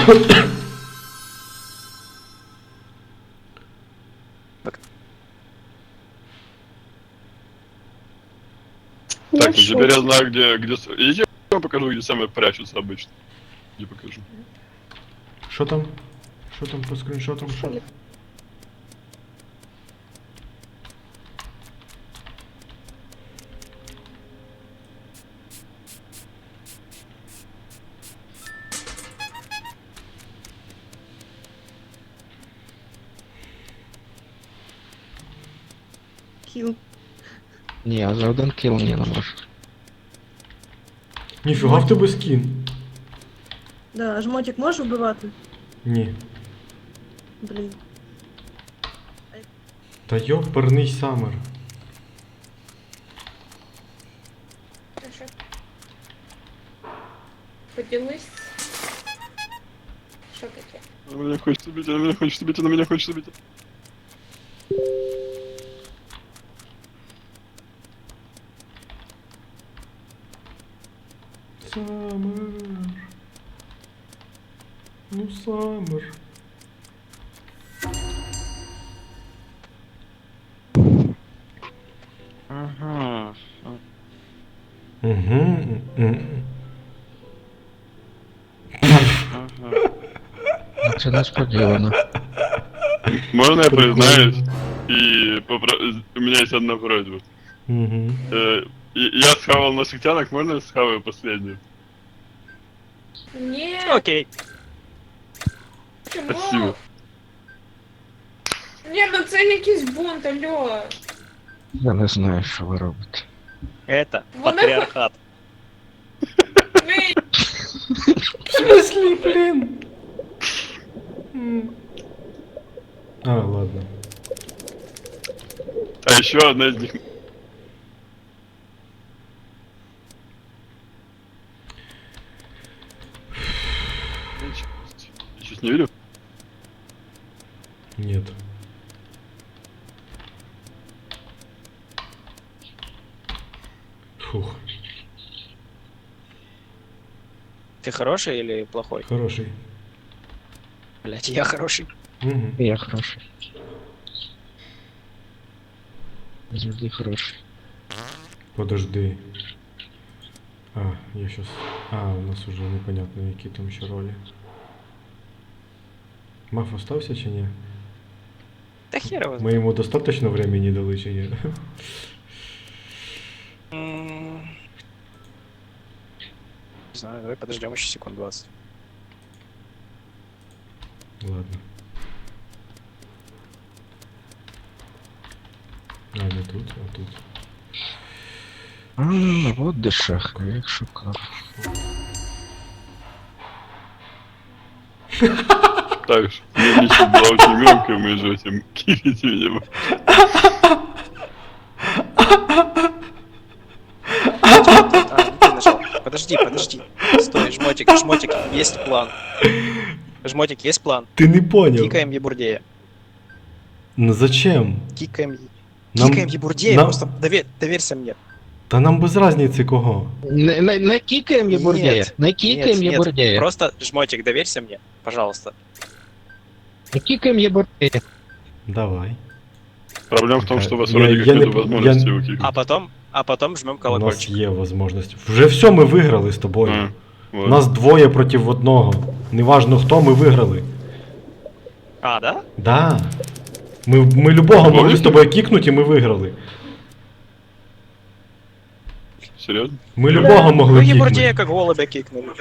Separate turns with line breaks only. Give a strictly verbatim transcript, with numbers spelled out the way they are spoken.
Так, ну теперь я знаю, где... где... Идите, я вам покажу, где самые прячутся обычно. Не покажу.
Що там? Що там по скріншотам? Що?
Кіл.
Ні, за один кіл ні, не можу.
Ніфіга в тебе скін.
Да, жмотик можеш вбивати?
Ні.
Блін.
Та йоперний самер.
Хорошо. Поділись. Що таке?
Она меня хочет убить, она меня хочет убить, она меня хочет убить.
Самер. Ну, самер.
Ага.
Угу.
Це несподівано.
Можно я признаюсь? И попро... у меня есть одна просьба.
Угу.
Э, и- я схавал носитянок, можно я схаваю последнюю?
Ні.
Окей.
Чому?
Спасибо.
Ні, ну це якийсь бунт, алло.
Я не знаю, що ви робите.
Это
Вони-
патриархат.
Ви...
В смысле, блин? М. А, ладно.
А еще одна из них... Я сейчас не верю.
Нет. Фух,
Ты хороший или плохой?
хороший.
Блять, я хороший.
Угу.
Я хороший. Завжди хороший.
Подожди. А, я сейчас... А, у нас уже непонятно, які там ще ролі. Маф остався чи ні?
Да хер его.
Ми йому достаточно времени дали чи ні?
М, Не знаю, давай подождем еще секунд двадцать.
Ладно. А, не тут, а тут.
А, от де шах, я їх шукав.
Так что, лично была очень громкая, мы же этим килите меня.
А, не ты нажал. Подожди, подожди. Стой, жмотик, жмотик, есть план. Жмотик, есть план.
Ти не поняв.
Кикаем Ебурдея.
Ну зачем?
Кикаем...
Нам-
Кикаем Ебурдея,
нам-
просто дове- доверься мне.
Та нам без разниці кого.
Не, не, не кікаємо Єбурдея.
Нет,
Не
Нет,
кікаємо
нет,
Єбурдея.
просто, жмотик, доверься мне, пожалуйста.
Не кікаємо Єбурдея.
Давай.
Проблема в том, что у вас
Я-
вроде
я
как
не
нет
п-
возможности
я-
его кикнуть.
А потом, а потом жмем
У нас
колокольчик.
є можливість. Вже все, ми виграли з тобою.
А, вот.
Нас двоє проти одного. Неважно хто, ми виграли.
А, да?
Да. Ми, ми любого могли з
Помните?
тобою кікнути і ми виграли.
Серьезно?
Ми любого могли
Ну,
кікнути.
Ебурдея как голубя кикнули.